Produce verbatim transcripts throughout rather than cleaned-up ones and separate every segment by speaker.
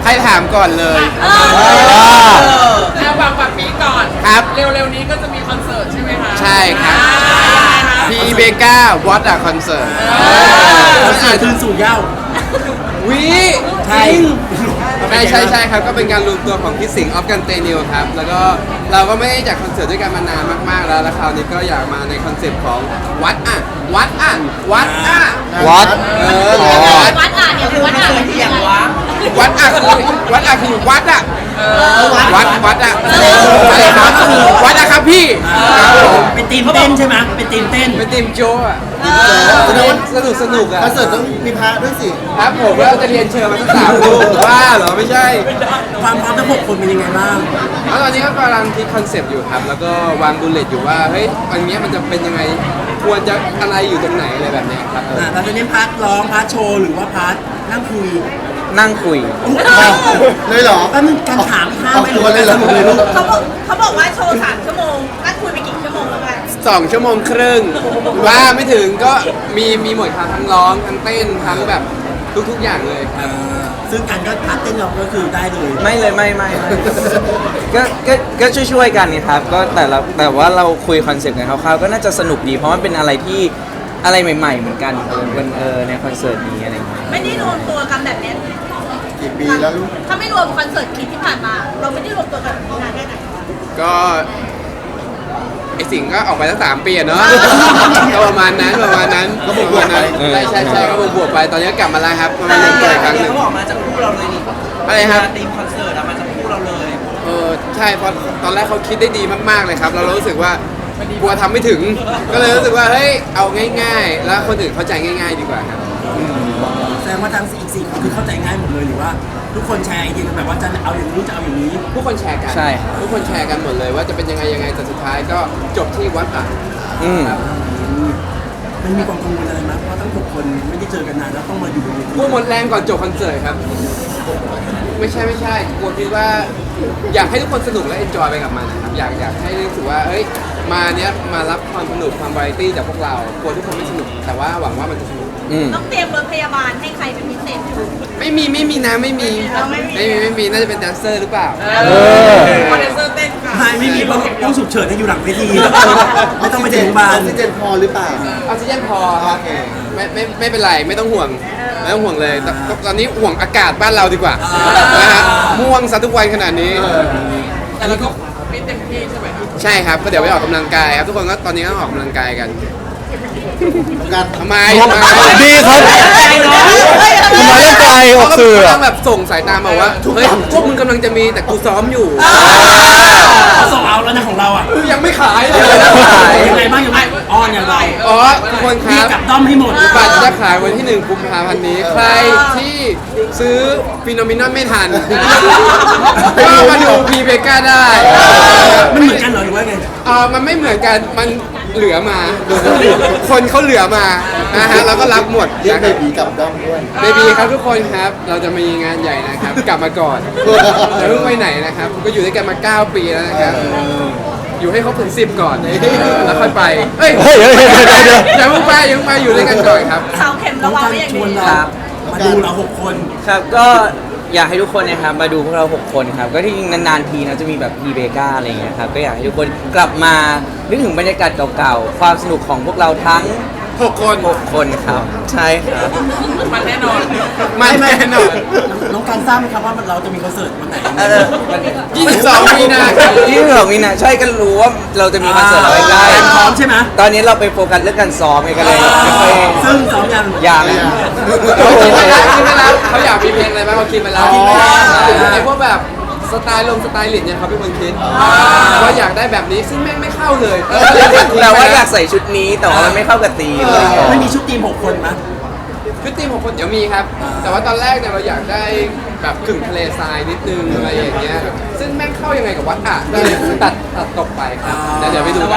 Speaker 1: ใครถามก่อนเลย
Speaker 2: เอาฝากฝากปีก่อน
Speaker 1: ครับ
Speaker 2: เร็วๆนี้ก็จะมีคอนเสิร์ตใช่ไหมคะ
Speaker 1: ใช่ครับ พีเบกา What a Concert
Speaker 3: คอนเสิร์ตคืนสู่เหย้า
Speaker 1: วิ
Speaker 3: ใช่
Speaker 1: ใช่ใช่ใช่ครับก็เป็นการรวมตัวของพี่สิงห์ออฟกันเตนิวครับแล้วก็เราก็ไม่ได้จัดคอนเสิร์ตด้วยกันมานานมากๆแล้วแล้วคราวนี้ก็อยากมาในคอนเซปต์ของวัดอ่ะวัดอ่ะวัดอ่ะ
Speaker 4: วัด
Speaker 1: เออ
Speaker 4: อ๋อ
Speaker 1: วัด
Speaker 5: วัดอ่านเนี่ยคือวัดอ่านเป็นยังไง
Speaker 1: วัดอ่ะคือวัดอ่ะคือวัดอ่ะวัดวัดอ่ะอะไรครับวัดอ่ะครับพี่ครับผม
Speaker 3: เป็นทีมเต้นใช่ไหมเป็นทีมเต้น
Speaker 1: เป็นทีมโจอ่ะสนุกสนุกสนุกอ่ะ
Speaker 4: คอนเสิร์ตต้องมีพระด้วยสิ
Speaker 1: ครับผมแล้วเราจะเรียนเชิญมาสักสามรูปว่าเหรอไม่ใช่
Speaker 3: ความพร้อมทั้งหกคนเป็นยังไงบ้าง
Speaker 1: แล้วตอนนี้ก็กำลังคิดคอนเซปต์อยู่ครับ แล้วก็วางบูลเลตอยู่ว่า เฮ้ย อันเนี้ยมันจะเป็นยังไง ควรจะอะไรอยู่ตรงไหนอะไรแบบเนี้ยครับเออ
Speaker 3: อ่าเราจะเน้นพาร์ทร้องพาร์ทโชว์หรือว่าพาร์ทนั่งคุย
Speaker 4: นั่งคุยเลยเหรอ
Speaker 3: แป๊บนึงการถามข้าม
Speaker 4: ออก
Speaker 3: ไป
Speaker 4: ตัวเลยเหรอ
Speaker 3: สนุกเลยลูก
Speaker 5: เขาบอกเขาบอกว่าโชว์สามชั่วโมงนัดคุยไปกี่ชั่วโมงแล้วกัน
Speaker 1: สองชั่วโมงครึ่งว่าไม่ถึงก็มีมีหมดครับทั้งร้องทั้งเต้นทั้งแบบทุกๆอย่างเลยครับ
Speaker 3: ซึ่งการก็พาร์ทเต้นเราก็คือได้เลย
Speaker 4: ไม่เลยไม่ไม่ไม่ก็ก็ก็ช่วยช่วยๆกันนี่ครับก็แต่ละแต่ว่าเราคุยคอนเซ็ปต์กันคร่าวๆก็น่าจะสนุกดี เพราะมันเป็นอะไรที่อะไรใหม่ ๆ เหมือนกันเออวันเออในคอนเสิร์ตนี้อะไรอย่างเงี้ย
Speaker 5: ไม่ได้รวมตัวกันแบบเนี้ย
Speaker 4: กี่ปีแล้วลูก
Speaker 5: ถ้าไม่รวมคอนเสิร์ตคิดที่ผ่านมา เราไม่ได้รวมตัวกันนานแค่ไหน
Speaker 1: ก็ไอสิงห์ก็ออกไปตั้งสามปีอะเนาะ ก็ประมาณนั้นประมาณนั้น
Speaker 4: ก็บวกๆไป
Speaker 1: ใช่ใช่ใช่ก็บวกๆไปตอนนี้กลับมาแล้วครับมาเล่นตัวอีกครั้งหนึ่ง
Speaker 6: เขาบอกมาจากคู่เราเลยนี่
Speaker 1: อะไรครับ
Speaker 6: ทีมคอนเสิร์ตอะมาจากคู่เราเลย
Speaker 1: เออใช่เพราะตอนแรกเขาคิดได้ดีมากๆเลยครับเรารู้สึกว่ากลัวทำไม่ถึง ก็เลยรู้สึกว่าเฮ้ยเอาง่ายๆ แล้วคนอื่นเข้าใจง่าย ๆ ดีกว่าครับ
Speaker 3: แสดงว่าทั้งอีกสี่คนคือเข้าใจง่ายหมดเลยหรือว่า ทุกคนแชร์ไอเดียกันแบบว่าจะเอาอย่างนี้จะเอาอย่างนี้
Speaker 1: ทุกคนแชร์กัน
Speaker 4: ใช่ครับ
Speaker 1: ทุกคนแชร์กันหมดเลยว่าจะเป็นยังไงยังไงแต่สุดท้ายก็จบที่วัดอ่ะ
Speaker 4: อืม
Speaker 1: ครับ
Speaker 3: มันมีความกังวลอะไรไหมเพราะทั้งหกคนไม่ได้เจอกันนานแล้วต้องมาอยู่บนเวที
Speaker 1: พวกหมดแรงก่อนจบคอนเสิร์ตครับ ไม่ใช่ไม่ใช่กลัวคิดว่า อยากให้ทุกคนสนุกและเอนจอยไปกับมันนะครับอยากอยากให้รู้สึกว่าเฮ้ยมาเนี้ยมารับความสนุกความวาไรตี้จากพวกเรากลัวทุกคนไม่สนุก แต่ว่าหวังว่ามันจะสนุก
Speaker 4: อืม
Speaker 5: ต้องเตรียมรถพยาบาลให้ใครเป็นพิเศษไหม
Speaker 1: ไม่มีไม่มีนะไม่มี
Speaker 5: เราไม่มี
Speaker 1: ไม่มีไม่มีน่าจะเป็นแดนเซอร์หรือเปล่า
Speaker 2: เออคอนเสิร์ตเต้นค่ะ
Speaker 3: ไม่ไม่มีเพราะต้องฉุกเฉินให้อยู่หลังเวทีไม่ต้องไปถึงโรงพยาบา
Speaker 4: อ
Speaker 3: ล
Speaker 4: อกซิเจนพอหรือเปล่า
Speaker 1: ออกซิเจนพอครับ
Speaker 4: โอเค
Speaker 1: ไม่ไม่ไม่เป็นไรไม่ต้องห่วงไม่ต้องห่วงเลยตตตอนนี้ห่วงอากาศบ้านเราดีกว่านะฮะม่วงซะทุกวันขนาดนี้
Speaker 2: แต่เราก็ฟิตเต็มที่ใช่ไหมครับ
Speaker 1: ใช่ครับก็เดี๋ยวไปออกกำลังกายครับทุกคนก็ตอนนี้ก็ออกกำลังกายกัน
Speaker 4: การ
Speaker 1: ทำไม
Speaker 4: ดีครับทำไมต้องไกลออกสื่อ
Speaker 1: เขา
Speaker 4: อะ
Speaker 1: กำลังแบบส่งสายตามาว่าเฮ้ยพวกมึงกำลังจะมีแต่กูซ้อมอยู่
Speaker 3: เขาส่งเอาแล้วนะของเราอ่ะ
Speaker 1: ยังไม่ขายเลย
Speaker 3: ยังไงบ้างยังไงอ้อนอย่างไร
Speaker 1: อ๋อทุกคนค
Speaker 3: พี่
Speaker 1: รับ
Speaker 3: กลับด้อมให้หมด
Speaker 1: บัตรจะขายวันที่หนึ่งกุมภาพันธ์นี้ ใครที่ซื้อฟิโนมินอนไม่ทัน ก็มาดูพีเบก้าได้
Speaker 3: มันเหมือนกันเหรอหรือว่าไง
Speaker 1: เออมันไม่เหมือนกัน มันเหลือมา คนเขาเหลือมานะฮะเราก็รับหมด
Speaker 4: เรียก
Speaker 1: นะ
Speaker 4: เบ
Speaker 1: ครับ
Speaker 4: บีกับด้อมด้วย
Speaker 1: เบบีครับทุกคนครับ เราจะมีงานใหญ่นะครับ กลับมาก่อนอย่าเพิ่งไปไหนนะครับ ก็อยู่ด้วยกันมาเก้าปีแล้วนะครับ อยู่ให้ครบถึงสิบก่อนแล้วค่อยไป เฮ้ย
Speaker 4: เฮ้ยเฮ้ยเฮ้ยเดี๋ยวเดี๋ยว
Speaker 1: อย่าเพิ่งไปอย่าเพิ่งไปอยู่ด้วยกันก่อนครับ
Speaker 5: เสาเข็ม
Speaker 3: ต้
Speaker 5: ระ
Speaker 3: อง
Speaker 5: วัง
Speaker 3: การ
Speaker 5: ไว้อย่าง
Speaker 3: ช
Speaker 5: ดี
Speaker 3: วนเรา
Speaker 4: ครับ
Speaker 3: มาดูเราหกคน
Speaker 4: ครับก็อยากให้ทุกคนนะครับมาดูพวกเราหกคนครับก็ที่จริงนานๆทีนะจะมีแบบพีเบกาอะไรอย่างเงี้ยครับก็อยากให้ทุกคนกลับมานึกถึงบรรยากาศเก่าๆความสนุกของพวกเราทั้ง
Speaker 1: หกคน
Speaker 4: หกคนครับใช่ครับ
Speaker 2: มันแน่นอน
Speaker 1: มาแน่นอน
Speaker 3: น้องการทราบไหมครับว่าเราจะมีคอนเสิร์ตวันไหน
Speaker 4: เออมัน
Speaker 1: ยี่สิบสองมีนาคม
Speaker 4: ที่สองมีนาใช่กันรู้ว่าเราจะมีคอนเสิร์ตเราใกล้
Speaker 3: การพร้อมใช่ไหม
Speaker 4: ๆตอนนี้เราไปโฟกัสเรื่องการซ้อมไงกันเลยไม่ค่อย
Speaker 3: ซึ่งซ้อมยัง
Speaker 4: อย่าง
Speaker 1: เขาคิดไปแล้วคิดไปแล้วเขาอยากมีเพลงอะไรบ้างเขาคิดไปแล้ว
Speaker 3: คิดไปแล้ว
Speaker 1: ไอ้พวกแบบสไตล์ลงสไตล์ลิดเนี่ยเขาเป็นคนคิดว่าอยากได้แบบนี้ซึ่งแม่งไม่เข้าเลย
Speaker 4: แต่ว่าอยากใส่ชุดนี้แต่ว่ามันไม่เข้ากับธีมเลย
Speaker 3: ไม่มีชุดทีมหกคนมั้ย
Speaker 1: ชุดทีมของคนเดี๋ยวมีครับ แต่ว่าตอนแรกเนี่ยเราอยากได้แบบกึ่งทะเลทรายนิดนึงอะไรอย่างเงี้ยซึ่งแม่งเข้ายังไงกับวัดอ่ะก็เลยตัดตัดตกไปครับแต่เดี๋ยวไปดู
Speaker 2: แต่
Speaker 1: กั
Speaker 2: ว่าน
Speaker 1: นะ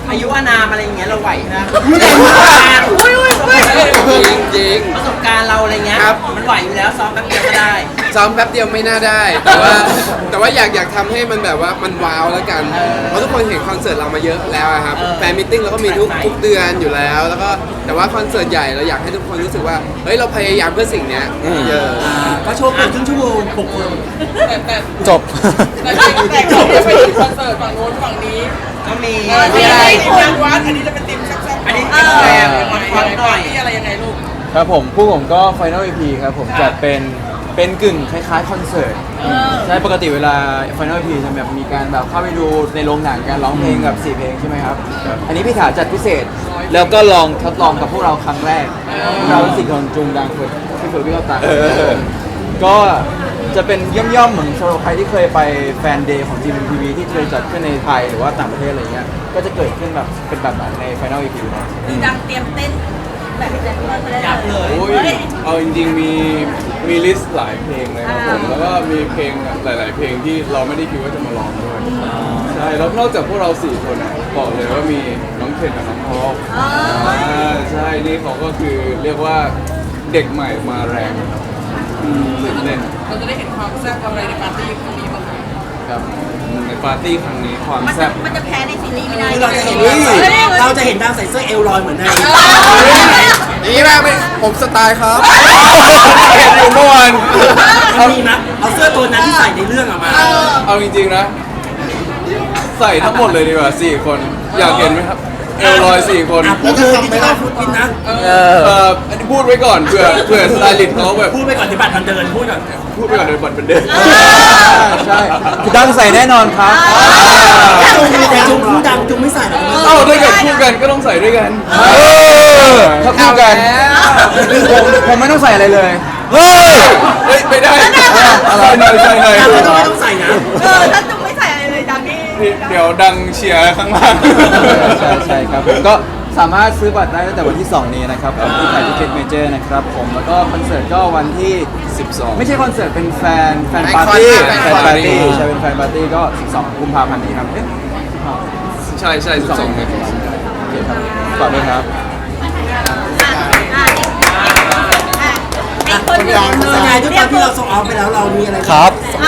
Speaker 6: อายุอานามอะไรอย่างเงี้ยเราไหวนะ
Speaker 2: อุ้ยอุ้ยอุ้ย
Speaker 1: จริงจริง
Speaker 6: ประสบการณ์เราอะไรเงี้ย
Speaker 1: ครับ
Speaker 6: มันไหวอยู่แล้วซ้อมแป๊บเดียวก็ได้
Speaker 1: ซ้อมแป๊บเดียวไม่น่าได้ แต่ว่าแต่ว่าอยากอยากทำให้มันแบบว่ามันว้าวแล้วกัน เพราะทุกคนเห็นคอนเสิร์ตเรามาเยอะแล้วอะครับ
Speaker 6: เออ
Speaker 1: แฟนมิทติ้งเราก็มีทุก
Speaker 6: ใช่
Speaker 1: ทุกเดือนอยู่แล้ว แล้วก็แต่ว่าคอนเสิร์ตใหญ่เราอยากให้ทุกคนรู้สึกว่าเฮ้ยเราพยายามเพื่อสิ่งเนี้ยเยอะ
Speaker 3: อ่าก็โชว์เปิดครึ่งชั่วโมงหกคน
Speaker 2: แต่แต่
Speaker 4: จบ
Speaker 2: แต่แต่แต่ก่อนที่จะไปถึงคอนเสิร์ตฝั่งโน้นฝั่งนี้
Speaker 6: ก็มี
Speaker 2: เออมีอะไรทีมงานวัดอันนี้จะเป็นทีมแซ่บๆ
Speaker 6: อันนี้
Speaker 2: เอ
Speaker 6: เป็น
Speaker 2: อ
Speaker 6: แฟน
Speaker 2: ยัง
Speaker 6: คอน
Speaker 2: ไง
Speaker 6: คอนหน่อย
Speaker 2: นี่อะไรยังไงลูก
Speaker 4: ครับผมผู้ผมก็ Final อี พี ครับผม
Speaker 2: ครับ
Speaker 4: จัดเป็นเป็นกึ่งคล้ายๆคอนเสิร์ตใช่ปกติเวลา Final อี พี จะแบบมีการแบบเข้าไปดูในโรงหนังการร้องเพลงกับสี่เพลงใช่ไหมครับ อันนี้พี่ถาจัดพิเศษ แล้วก็ลองทดลองกับพวกเราครั้งแรกเราสี่คนจุงดังฝึกพี่ฝึกพี่เข้าตังก็จะเป็นย่อมๆเหมือนสำหรับใครที่เคยไปแฟนเดย์ของ จี เอ็ม ที วี ที่เคยจัดขึ้นในไทยหรือว่าต่างประเทศอะไรเงี้ยก็จะเกิดขึ้นแบบเป็นแบบนั้นใน Final อี พี นะ
Speaker 5: คือดังเตรียมเต้นแบบแดนเซอร์ได้
Speaker 6: ยับเลย
Speaker 7: โอ้ยเอาจริงๆมีมีลิสต์หลายเพลงเลยครับผมแล้วก็มีเพลงหลาย ๆ เพลงที่เราไม่ได้คิดว่าจะมาร้องด้วยใช่แล้วนอกจากพวกเราสี่คนอ่ะบอกเลยว่ามีน้องเคนกับน้องพอลอ่าใช่นี่เขาก็คือเรียกว่าเด็กใหม่มาแรงครับอืมตื่นเต้น
Speaker 2: เราจะได้เห็นความแซ่บอะไรในปาร์ตี้ครั้งนี้บ้างไหม
Speaker 7: ครับในปาร์ตี้ครั้งนี้ความ
Speaker 5: มันจะ
Speaker 7: แซ่บ
Speaker 5: มันจะแพ้ในซีรีส์ไม่ได้
Speaker 3: คือเราจะเห็น
Speaker 5: เฮ้ย
Speaker 3: เราจะเห็นดาวใส่เสื้อเอลลอยเหมือนใน
Speaker 1: นี่มากไหมผมสไตล์ครับ
Speaker 7: เห็นอยู่เมื่อวาน
Speaker 3: เอามีนะเอาเสื้อตัวนั้นที่ใส่ในเรื่องออกมา
Speaker 7: เอาจริงๆนะ ใส่ทั้งหมดเลยดีกว่าสี่คนอยากเห็นไหมครับเอลลอยสี่คน
Speaker 3: อ่ะพูดเลยดิจิตอลฟุตพินนะ
Speaker 4: เออ
Speaker 7: เอ่ออันนี้พูดไว้ก่อนเผื่อเผื่อสไตลิสต์เขาแบบ
Speaker 3: พูดไปก่อนที่บัตรมันเดินพูดก่อน
Speaker 7: พูดไปก่อนเดี๋ยวบัตรเป็นเดิน
Speaker 4: ใช่ดังใส่แน่นอนครับ
Speaker 3: แต่จุงพูดดังจุงไม่ใส่หรอก
Speaker 7: เอ้าถ้าเกิดคู่กันก็ต้องใส่ด้วยกัน
Speaker 4: ถ้าคู่กันผมผมไม่ต้องใส่อะไรเลย เฮ้ย
Speaker 7: เฮ้ยไม่ได้ใส่หน่อยใส่หน่อย
Speaker 3: ดังก็ต้องไม่ต้องใส่นะ
Speaker 5: เออถ้าจุ๊บไม่ใส่อะไรเลยดังนี่
Speaker 7: เดี๋ยวดังเชียร์ข้างล่าง
Speaker 4: ใช่ใช่ครับผมก็สามารถซื้อบัตรได้ตั้งแต่วันที่ สอง นี้นะครับของที่ไทยทิเก็ตเมเจอร์นะครับผมแล้วก็คอนเสิร์ตก็วันที่
Speaker 1: สิบสอง
Speaker 4: ไม่ใช่คอนเสิร์ตเป็นแฟนแฟน
Speaker 1: แฟน
Speaker 4: ปาร์ตี้
Speaker 1: คอน
Speaker 4: แฟ
Speaker 1: แฟน
Speaker 4: น
Speaker 1: ปา
Speaker 4: ปา
Speaker 1: ร์
Speaker 4: ร์
Speaker 1: ตี้
Speaker 4: ตี้ใช่เป็นแฟนปาร์ตี้ก็ สิบสอง กุมภาพันธ์นี้ครับเอ๊ะ
Speaker 7: ใช่ใช่สิบสองเนี่ย
Speaker 4: โอเคครับฝากด้วยครับ
Speaker 5: อ่ะอ่ะอ่ะไอ้คนหนึ่ง
Speaker 3: สกายด้วยความที่เราส่งออฟไปแล้วเรามีอะไร
Speaker 4: ครับ
Speaker 5: อ่ะ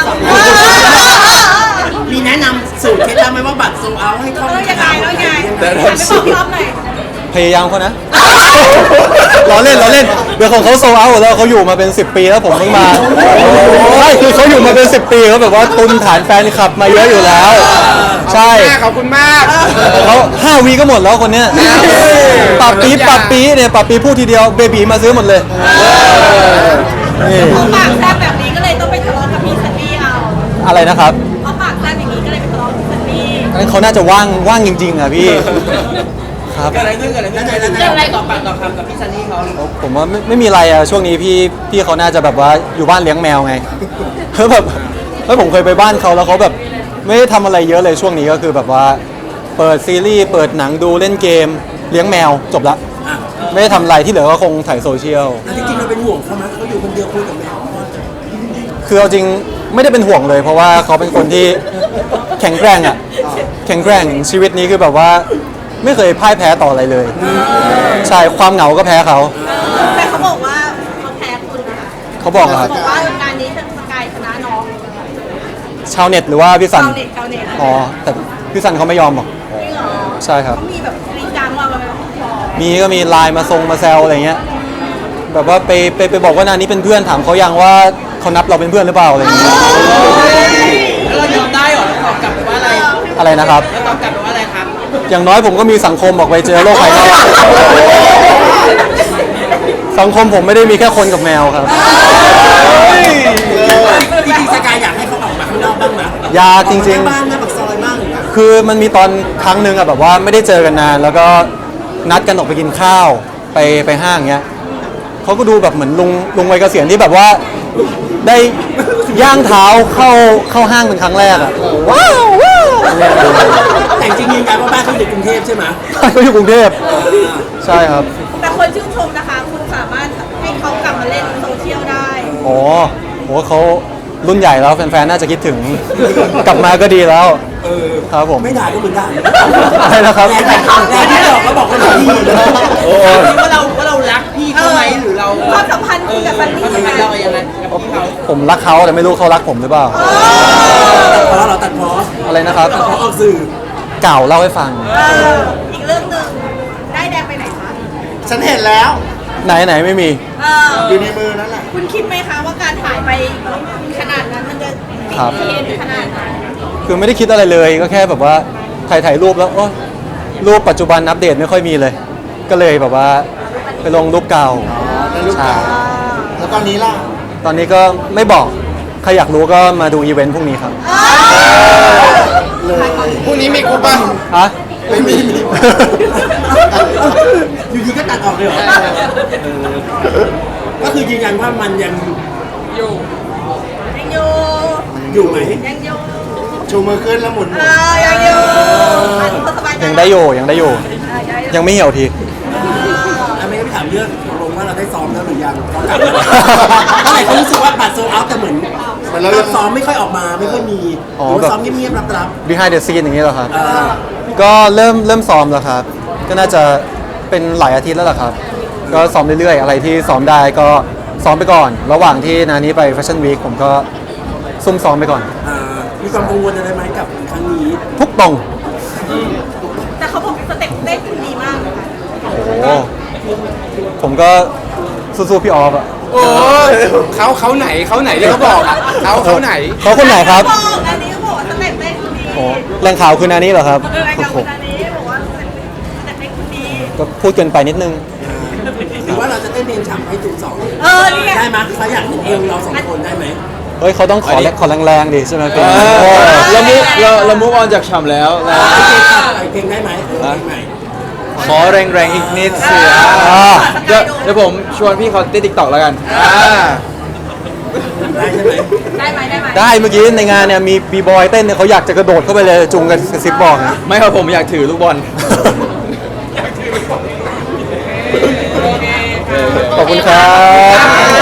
Speaker 3: มีแนะนำสูตรเคล็ดลับไหมว่าบัตรโซเอาให้คล่อง
Speaker 5: เออยังไงแล้วยังไง
Speaker 7: แต่
Speaker 5: หันไปบอกพี่อ๊อฟหน่อย
Speaker 8: พยายามเขานะ ล้อเล่นล้อเล่นเดี๋ยวของเขาโซเอาแล้วเขาอยู่มาเป็น สิบ ปีแล้วผมเพิ่งมาใช่คือเขาอยู่มาเป็น สิบ ปีเขาแบบว่าตุนฐานแฟนคลับมาเยอะอยู่แล้ว ใช่
Speaker 1: ขอบคุณมาก
Speaker 8: เขาห้าวีก็หมดแล้วคนเนี้ยปรับปีปรับปีเนี่ยปรับปีพูดทีเดียวเบบีมาซื้อหมดเลยนี่
Speaker 5: เขาปากแซ่บแบบนี้ก็เลยต้องไปทะเลาะกับพี่ซันนี่เอา
Speaker 8: อะไรนะครับ
Speaker 5: เขาปากแซ่บอย่างนี้ก็เลยไปทะเลาะกับพี่ซันนี่
Speaker 8: งั้นเขาน่าจะว่างว่างจริงๆอ่ะพี่ครับ
Speaker 6: เกิดอะไรขึ้นเกิดอะไรขึ้น
Speaker 3: แล้วไหนแล้วไหน
Speaker 6: เรื่องอะไรต่อปากต่อคำกับพี่ซันนี่เขา
Speaker 8: ผมว่าไม่ไม่มีอะไรอะช่วงนี้พี่พี่เขาน่าจะแบบว่าอยู่บ้านเลี้ยงแมวไง เฮ้ยแบบเฮ้ยผมเคยไปบ้านเขาแล้วเขาแบบไม่ได้ทำอะไรเยอะเลยช่วงนี้ก็คือแบบว่าเปิดซีรีส์เปิดหนังดูเล่นเกมเลี้ยงแมวจบละ
Speaker 3: อ่ะ
Speaker 8: ไม่ได้ทำอะไรที่เหลือก็คงถ่ายโซเชียล
Speaker 3: จริงๆเราเป็นห่วงเขาไหมเขาอยู่คนเดียวคุยกับแมว
Speaker 8: คือเอาจริงไม่ได้เป็นห่วงเลย เพราะว่าเขาเป็นคนที่แข็งแกร่งอะแข็งแกร่งชีวิตนี้คือแบบว่าไม่เคยพ่ายแพ้ต่ออะไรเลย ใช่ความเหงาก็แพ้เขา
Speaker 5: แต่เขาบอกว่าเขาแพ้คุณนะคะ
Speaker 8: เขาบอกอะค
Speaker 5: เขา
Speaker 8: รับ
Speaker 5: บอกว่างานนี้สกายชนะน้อง
Speaker 8: ชาวเน็ตหรือว่าพี่สัน
Speaker 5: ชาวเน็ตชาวเน็ต
Speaker 8: อ๋อแต่พี่สันเขาไม่ยอมหรอก
Speaker 5: จริงเหรอ
Speaker 8: ใช่ครับ
Speaker 5: เขามีแบบจริงจังว่าแบบ
Speaker 8: มีก็มีไลน์มาทรงมาแซวอะไรเงี้ยแบบว่าไปไปไปบอกว่านานนี้เป็นเพื่อนถามเขายังว่าเขานับเราเป็นเพื่อนหรือเปล่าอะไรอย่างเงี้ย
Speaker 6: แล้วเรายอมได้เหรอเราตอบกลับไปว่าอะไร
Speaker 8: อะไรนะครับ
Speaker 6: เราตอบกลับไปว่าอะไรครับ
Speaker 8: อย่างน้อยผมก็มีสังคมออกไปเจอโลกภายนอกสังคมผมไม่ได้มีแค่คนกับแมวครับ
Speaker 3: จริงๆสกายอยากให้เขาออกมาข้างนอกบ้างนะ
Speaker 8: อยากจริง
Speaker 3: บ้านหน้าปากซอยบ้างอย่างเงี้ย
Speaker 8: ๆ คือมันมีตอนครั้งหนึ่งอะแบบว่าไม่ได้เจอกันนาน แล้วก็นัดกันออกไปกินข้าวไปไปห้างเงี้ยเขาก็ดูแบบเหมือนลุงลุงวัยเกษียณที่แบบว่าได้ย่างเท้าเข้าเข้าห้างเป็นครั้งแรกอะว้าวว้าวเนี่ย
Speaker 3: แต่จริงๆยืนยันว่าบ้านเขาอยู่ในกรุงเทพใช่ไหม
Speaker 8: เขาอยู่กรุงเทพใช่ครับ
Speaker 5: แต่คนชื่นชมนะคะ คุณสามารถให้เขากลับมาเล่นโซเชียลได้
Speaker 8: โอ้โหเขารุ่นใหญ่แล้วแฟนๆ น่าจะคิดถึง กลับมาก็ดีแล้ว
Speaker 3: เอเออ
Speaker 8: ครับผม
Speaker 3: ไม่ด่าก็เหมือนด่า
Speaker 8: อะไรนะครับ
Speaker 3: แรงแต่แรงที่บอกก็บอกกันดี
Speaker 8: โอ้
Speaker 6: ว่าเราว่าเรารักพี่เขาไหมหรือเรา
Speaker 5: ความสัมพันธ์คุณกับซันนี่
Speaker 6: ความสัมพันธ์เรายังไงกับพี่เขา
Speaker 8: ผมรักเขาแต่ไม่รู้เขารักผมหรือเปล่า
Speaker 3: ตัดเพราะเราตัดเพราะ
Speaker 8: อะไรนะครับ
Speaker 3: ตัดเพราะออกสื่อ
Speaker 8: เก่าเล่าให้ฟัง
Speaker 5: เอออีกเรื่องหนึ่งได้แดงไปไหนคะ
Speaker 3: ฉันเห็นแล้ว
Speaker 8: ไหนไหนไม่มี
Speaker 5: เออ
Speaker 3: อยู่ในมือนั่นแหละ
Speaker 5: คุณคิดไหมคะว่าการถ่ายไปขนาดนั้นมันจะติด
Speaker 8: ครับ
Speaker 5: เทรนด์ขนาดนั้น
Speaker 8: คือไม่ได้คิดอะไรเลยก็แค่แบบว่าถ่ายถ่ายรูปแล้วโอ้รูปปัจจุบันอัปเดตไม่ค่อยมีเลย ก็เลยแบบว่าไปลงรูปเก่าใช่
Speaker 3: แล้วตอนนี้ล่ะ
Speaker 8: ตอนนี้ก็ไม่บอกใครอยากรู้ก็มาดูอีเวนต์พรุ่งนี้ครับ
Speaker 1: พรุ่งนี้มีกูป่ะ
Speaker 8: ฮะ
Speaker 3: ไม่มีอยู่ดีก็ตัดออกเลยเหรอก็คือยืนยันว่ามันยัง
Speaker 2: อยู่
Speaker 5: ยังอยู่
Speaker 3: อยู่ไหม
Speaker 5: ยังอยู่
Speaker 3: ชูมือขึ้นแล้วหมุน
Speaker 5: เออยังอยู่อันนี้ก็สบายใจ
Speaker 8: ยังได้อยู่ยังได้อยู่
Speaker 5: เออยังอยู่
Speaker 8: ยังไม่เหี่ยวที
Speaker 3: อันนี้ไม่ถามเรื่องตกลงว่าเราได้ซ้อมแล้วหรือยังซ้อมกลับแล้วเพราะหลายคนรู้สึกว่าบัตรโซลเอาท์แต่เหมือนเราซ้อมไม่ค่อยออกมาไม่ค่อยมีหรือว่าซ้อมเงียบๆรับ
Speaker 8: behind the scene อย่างนี้เหรอครับ
Speaker 3: ๆเออ
Speaker 8: ก็เริ่มเริ่มซ้อมแล้วครับ ก็น่าจะเป็นหลายอาทิตย์แล้วล่ะครับ ก็ซ้อมเรื่อยๆ อะไรที่ซ้อมได้ก็ซ้อมไปก่อน ระหว่างที่นานี้ไปแฟชั่นวีคผมก็ซุ่มซ้อมไปก่อน
Speaker 3: อ่ามีความกังวลอะไรไหมกับครั้งนี้
Speaker 8: ทุกตรง
Speaker 5: แต่เขาบอกสเต็ปเต้นคุณดีมากเลยค่ะ
Speaker 8: โอ้ผมก็สู้ๆพี่ออฟอะ
Speaker 1: โอ้ยเขาเขาไหนเขาไหนที่เขาบอกอะเขาเขาไหน
Speaker 8: เขาคนไหนครับ
Speaker 5: บอกอันนี้ก็บอกว่าสเต็ปเต้นคุณดี
Speaker 8: โอ้แรงข่าวคือนานี้เหรอครับ
Speaker 5: เออไอ้กับ
Speaker 8: โอ้
Speaker 5: คุณอันนี้บอกว่าสเต็ปเต้นคุณดี
Speaker 8: ก็พูดเกินไปนิดนึง
Speaker 3: หรือว่าเราจะเต้นเพลงฉ่ำให้จุดสอง
Speaker 5: เออนี่ไง
Speaker 3: ได้ไหมเขาอยากเห็นเอวเราสองคนได้ไหม
Speaker 8: เฮ้ยเขาต้องขอแรงขอแรงๆดิใช่ไหมพี่
Speaker 7: เอ
Speaker 8: โอ้
Speaker 7: อเรามุเราเรามุกออนจากฉ่ำแล้วนะ
Speaker 3: เพลงได้ไหมเพลงใหม่
Speaker 7: ขอแรงๆอีกนิดเสีย
Speaker 8: อ่า
Speaker 7: เดี๋ยวเดี๋ยวผมชวนพี่เขาเต้นติ๊กต็อกแล้วกันอ่า
Speaker 3: ได้ใช่ไหม
Speaker 5: ได้ไหมได้ไหม
Speaker 8: ได้เมื่อกี้ในงานเนี่ยมีบีบอยเต้นเนี่ยเขาอยากจะกระโดดเข้าไปเลยจุงกันกระซิบบอกนะ
Speaker 7: ไม่ครับผมอยากถือลูกบอล
Speaker 8: ขอบคุณครับ